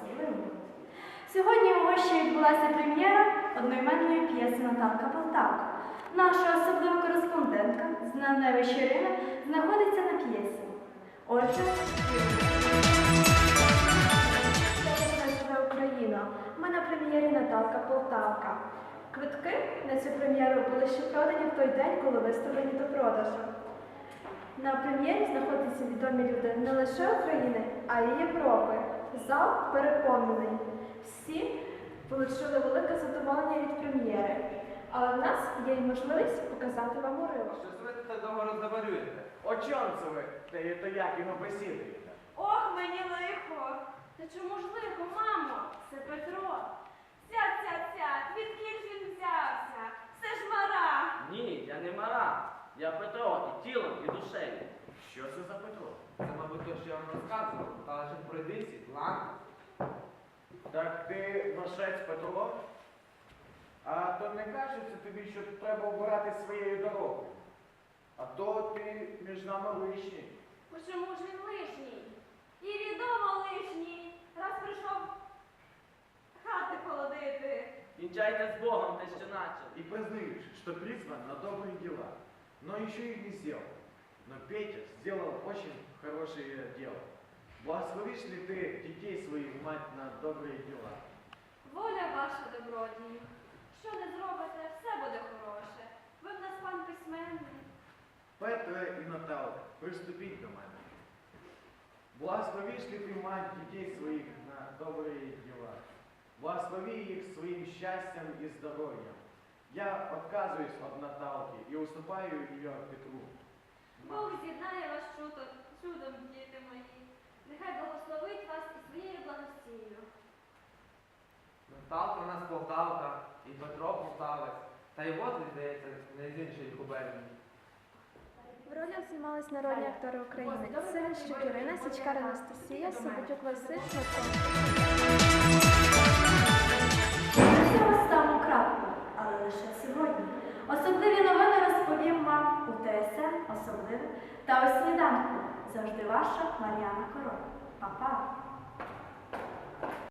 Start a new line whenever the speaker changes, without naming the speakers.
особливим. Сьогодні у Гощі відбулася прем'єра одноіменної п'єси Наталка Полтавка. Наша особлива кореспондентка, знамена Щирина, знаходиться на п'єсі. Отже, Україна. Ми на прем'єрі Наталка Полтавка. Квитки на цю прем'єру були ще продані в той день, коли виставлені до продажу. На прем'єрі знаходяться відомі люди не лише України, а й Європи. Зал переповнений. Всі отримали велике задоволення від прем'єри. Але в нас є й можливість показати вам уривок.
Щось ви це довго розговорюєте. О чому це ви? То як його бесідуєте?
Ох, мені лихо! Та чому ж лихо, мамо? Це Петро. Сядь, відкіль ж він взявся? Це ж мара.
Ні, я не Мара. Я Петро і тілом, і душею.
Що це за Петро?
Це, мабуть, то, що я вам розказував, та лише пройдися, ладно?
Так ти вашець Петро? А то не кажеться тобі, що треба обирати своєю дорогою. А то ти між нами лишній.
Чому ж він лишній? І відомо лишній. Раз прийшов хати холодити.
Кінчайте з Богом те, що начали.
И признаешь, что призван на добрые дела, но еще их не сделал. Но Петя сделал очень хорошее дело. Благословишь ли ты детей своих, мать, на добрые дела?
Воля ваша, добродію. Що не зробите, все буде хороше. Ви в нас пан письменний.
Петра и Наталка, приступить до мене. Благословишь ли ты, мать, детей своих на добрые дела? Благослови их своим счастьем и здоровьем. Я отказываюсь от Наталки и уступаю ее Петру.
Бог з'єднає вас чудом, діти мої. Нехай благословить вас і своєю благостійною.
Наталка у нас Полтавка, і Петро Полтавець. Та й от, здається, не з іншої губернії.
В ролях знімались народні актори України. Сивищук Ірина, Січкар Анастасія, Собатюк Василь, Ми ставимо крапку, але лише сьогодні. Особливі новини розповім вам у ТСН, особливо, та у сніданку. Завжди ваша Мар'яна Король. Па-па!